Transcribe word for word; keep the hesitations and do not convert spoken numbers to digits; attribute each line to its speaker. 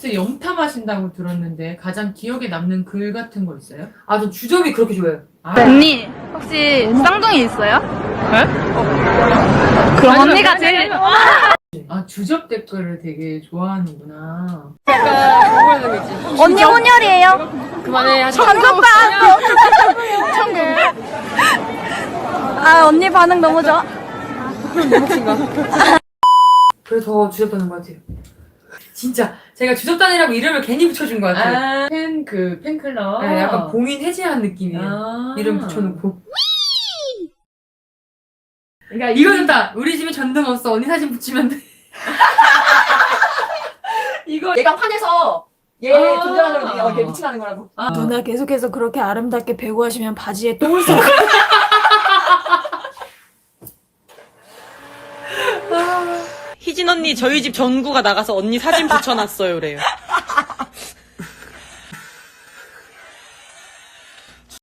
Speaker 1: 에스엔에스 염탐하신다고 들었는데 가장 기억에 남는 글 같은 거 있어요?
Speaker 2: 아, 저 주접이 그렇게 좋아해요.
Speaker 1: 아,
Speaker 3: 언니 혹시 쌍둥이 있어요?
Speaker 1: 네?
Speaker 3: 그럼 언니가 제일
Speaker 1: 아, 주접 댓글을 되게 좋아하는구나.
Speaker 3: 언니 혼혈이에요?
Speaker 4: 그만해.
Speaker 3: 천국밥 천국 아 언니 반응 너무 좋아.
Speaker 2: 그래서 더 주접다는 것 같아요. 진짜 제가 주접단이라고 이름을 괜히 붙여준 것 같아요.
Speaker 1: 아, 팬, 그, 팬클럽.
Speaker 2: 네, 약간 봉인 해제한 느낌이에요.
Speaker 1: 아.
Speaker 2: 이름 붙여놓고.
Speaker 1: 그러니까
Speaker 2: 이거 좋다! 우리 집에 전등 없어. 언니 사진 붙이면 돼.
Speaker 1: 이거.
Speaker 4: 얘가 화내서 얘
Speaker 1: 아.
Speaker 4: 존재하는 거 걔 미친하는 거라고.
Speaker 1: 아.
Speaker 5: 누나 계속해서 그렇게 아름답게 배구 하시면 바지에 똥을 싸고
Speaker 6: 희진 언니 저희 집 전구가 나가서 언니 사진 붙여놨어요, 그래요.